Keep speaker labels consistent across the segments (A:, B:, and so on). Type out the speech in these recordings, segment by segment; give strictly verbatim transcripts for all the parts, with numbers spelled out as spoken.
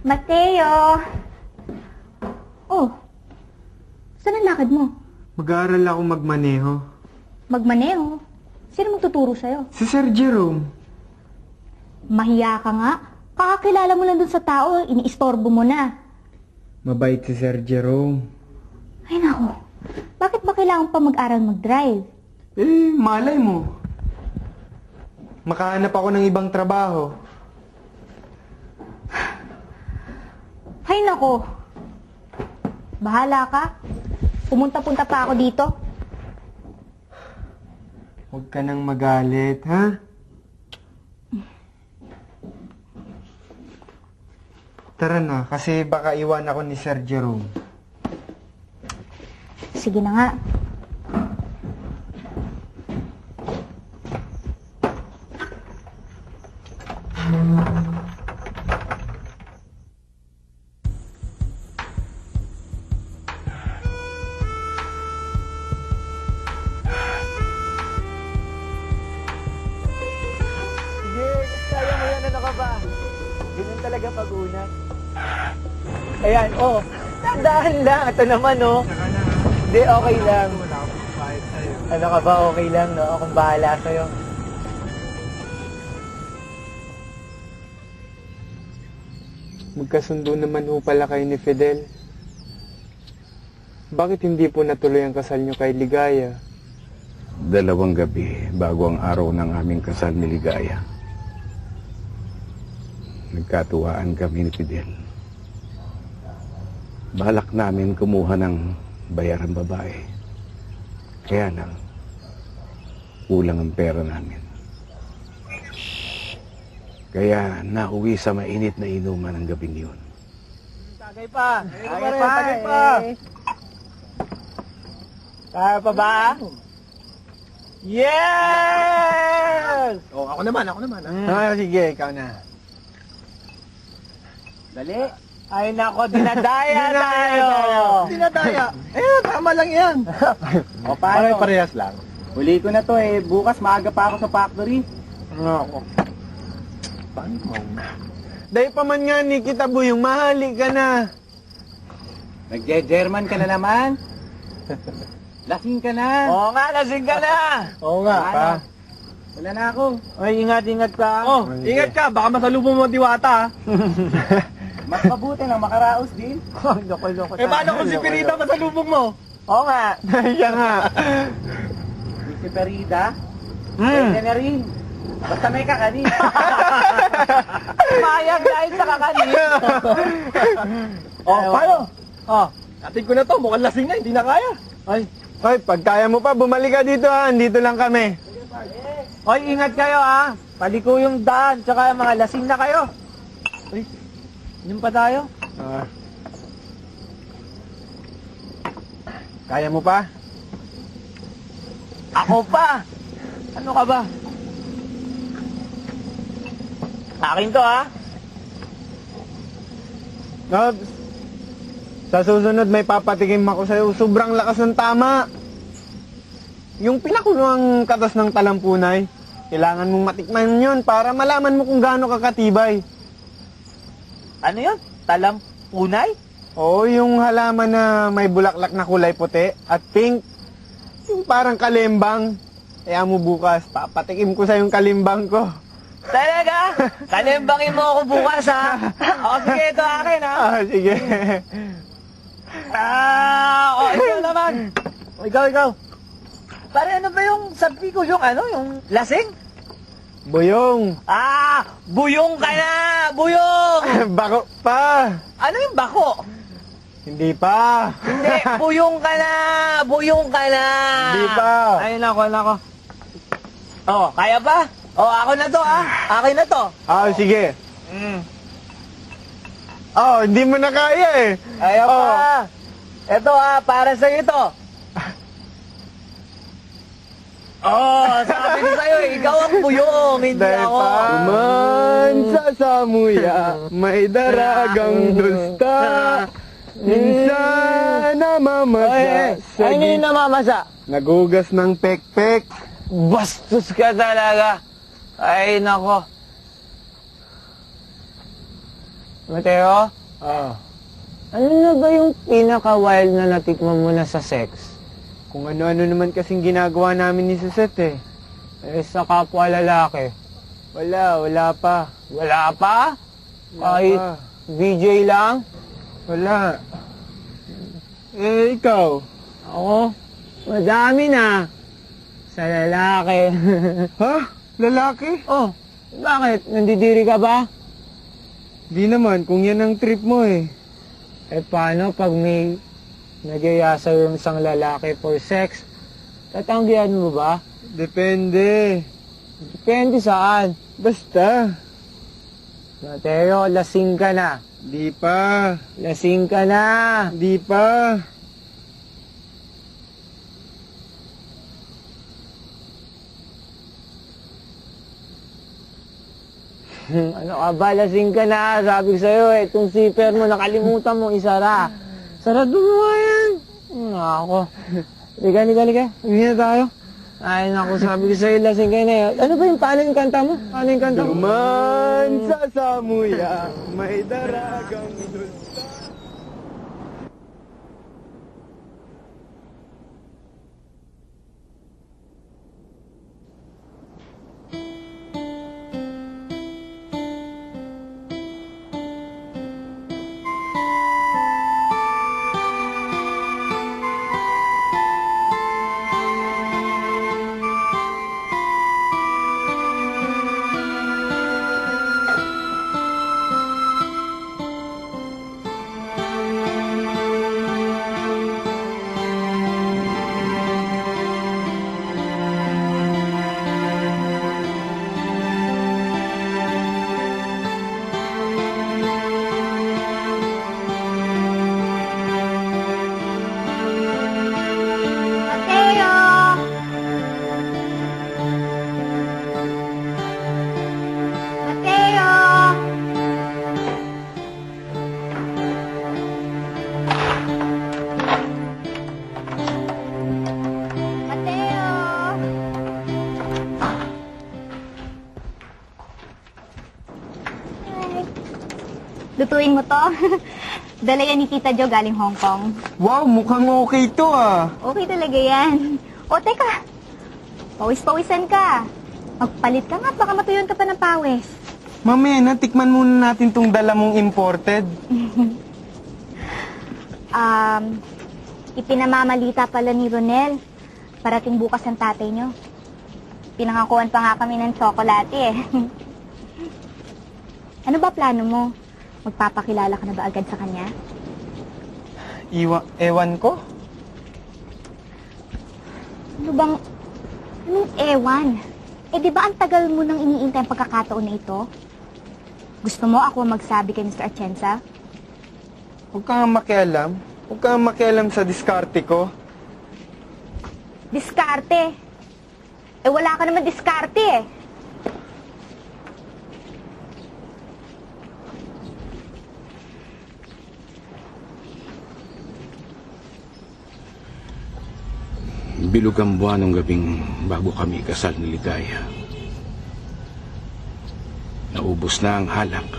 A: Mateo! Oh, saan ang lakad mo?
B: Mag-aaral ako magmaneho.
A: Magmaneho? Sino magtuturo sa'yo?
B: Si Sir Jerome.
A: Mahiya ka nga. Kakakilala mo lang dun sa tao, iniistorbo mo na.
B: Mabait si Sir Jerome.
A: Ay nako, bakit ba kailangan pa mag-aral mag-drive?
B: Eh, malay mo. Makahanap ako ng ibang trabaho.
A: Ay nako, bahala ka. Pumunta-punta pa ako dito.
B: Huwag ka nang magalit, ha? Tara na, kasi baka iwan ako ni Sir Jerome.
A: Sige na nga.
C: Sige, kaya mo yan, ano ka ba? Ganun talaga pag-unat. Ayan, oh, tandaan lang. Ito naman, oh. Hindi, okay lang. Ano ka ba, okay lang, no? Akong bahala sa'yo.
B: Magkasundo naman ho pala kayo ni Fidel. Bakit hindi po natuloy ang kasal niyo kay Ligaya?
D: Dalawang gabi bago ang araw ng aming kasal ni Ligaya. Nagkatuwaan kami ni Fidel. Balak namin kumuha ng bayaran babae. Kaya lang, kulang ang pera namin. Kaya nauwi sa mainit na inuman ng gabing yun.
C: Tagay pa! Tagay pa! Tagay pa! Kaya pa ba? Yes!
E: Oh, ako naman, ako naman.
C: Mm.
E: Ah, sige, ikaw na.
C: Dali! Ay nako, dinadaya tayo!
E: Dinadaya. Eh, tama lang yan.
C: O paano?
E: Pare-parehas lang.
C: Huli ko na to eh. Bukas maaga pa ako sa factory.
E: Ako. Paano mo?
B: Dahil pa man nga ni kita Buyong, mahali ka na.
C: Nagje-German ka na naman? Lasing ka na. Oo nga, lasing ka na.
E: Oo nga,
C: Ano?
E: pa.
C: Wala na ako. Ay, ingat-ingat ka.
E: Oh, ingat ka. Baka masalubong mo ang diwata.
C: Mas mabuti na makaraos din.
E: Loko-loko. Eh, paano kung si Pirita masalubong mo?
C: Oo nga.
B: Siya nga.
C: Si Perida,
E: Hmm.
C: pwede na rin. Basta may kakanin. Mayag dahil sa kakanin.
E: Oh, paano? Oh, atin ko na to. Mukhang lasing na, hindi na kaya.
B: Ay, ay, pag kaya mo pa, bumalik ka dito ha. Andito lang kami.
C: Hoy, ingat kayo ha. Paliko yung daan, tsaka mga lasing na kayo. Uy, yun pa tayo.
B: Ah. Kaya mo pa?
C: Ako pa! Ano ka ba? Akin to ha.
B: Nobs, sa susunod may papatikim ako sa'yo. Sobrang lakas ng tama. Yung pinakulong katas ng talampunay, kailangan mong matikman yun para malaman mo kung gaano kakatibay.
C: Ano yun? Talampunay?
B: Oo, yung halaman na may bulaklak na kulay puti at pink. Yung parang kalimbang. Kaya mo bukas, papatikim ko sa yung kalimbang ko.
C: Talaga? Kalimbangin mo ako bukas ha. O sige, ito akin ha.
B: Ah, sige.
C: Ah, o ikaw naman. O ikaw, ikaw. Pare, ano ba yung sabi ko yung ano, yung lasing?
B: Buyong.
C: Ah, buyong ka na! Buyong!
B: Bako pa.
C: Ano yung bako?
B: Hindi pa.
C: Hindi, buyong ka na! Buyong ka na!
B: Hindi pa.
C: Ayun ako, ayun ako. Oh, kaya pa? Oh, ako na to ah. Akin na to.
B: Ah, sige.
C: Mm.
B: Oh, hindi mo na kaya eh.
C: Kaya
B: Oh.
C: pa. Ito ah, para sa ito. Oh, sabi ko sa'yo, ikaw ang buyong, hindi
B: Dahil
C: ako.
B: pa man sa samuya, may daragang dusta. Minsan namamasa sa
C: Ay, ano yung namamasa?
B: nagugas ng pekpek.
C: Bastos ka talaga. Ay, nako. Mateo, Ah. Ano na ba yung pinaka-wild na natikman mo na sa sex?
B: Kung ano-ano naman kasing ginagawa namin ni Suzette eh.
C: Eh, sa kapwa lalaki.
B: Wala, wala pa.
C: Wala pa?
B: Wala
C: Kahit
B: pa.
C: V J lang?
B: Wala. Eh, ikaw?
C: Ako? Madami na. Sa lalaki.
B: Ha? Lalaki?
C: Oh, bakit? Nandidiri ka ba?
B: Di naman, kung yan ang trip mo eh.
C: Eh, paano pag may nagyaya sa'yo yung isang lalaki for sex? Tatanggihan mo ba?
B: Depende.
C: Depende saan.
B: Basta.
C: Mateo, lasing ka na.
B: Di pa.
C: Lasing ka na.
B: Di pa.
C: Ano ka ba? Lasing ka na. Sabi ko sa'yo eh, itong zipper mo, nakalimutan mo isara. Sarado mo nga yan. Hmm, ako. Liga, liga, liga. Uwi na tayo. Ay, naku, sabi ko sa'yo, lasing ka na eh. Ano ba yung, paano yung kanta mo? Paano yung kanta mo?
B: Duman sa samuya, may daragang dulsa.
A: Mateo! Mateo! Mateo! Hi. Lutuin mo to. Dala yan ni Tita Jo galing Hong Kong.
B: Wow, mukhang okay to ah.
A: Okay talaga yan. O, teka. Pawis-pawisan ka. Magpalit ka nga, baka matuyon ka pa ng pawis.
B: Mamaya na, tikman muna natin tong dala mong imported.
A: Um, ipinamamalita pala ni Ronel. Parating bukas ang tatay nyo. Pinangakuan pa nga kami ng tsokolate eh. Ano ba plano mo? Magpapakilala ka na ba agad sa kanya?
B: Iwa, ewan ko.
A: Ano bang... Anong ewan? Eh di ba ang tagal mo nang iniintay ang pagkakataon na ito? Gusto mo ako ang magsabi kay Mister Atienza?
B: Huwag ka nga makialam. Huwag ka nga makialam sa diskarte ko.
A: Diskarte? Eh wala ka naman diskarte eh.
D: Bilog ang buwan ng gabing bago kami kasal ni Ligaya. Naubos na ang halak.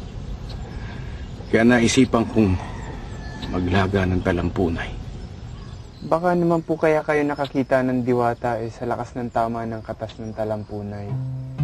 D: Kaya naisipan kong maglaga ng talampunay.
B: Baka naman po kaya kayo nakakita ng diwata eh sa lakas ng tama ng katas ng talampunay.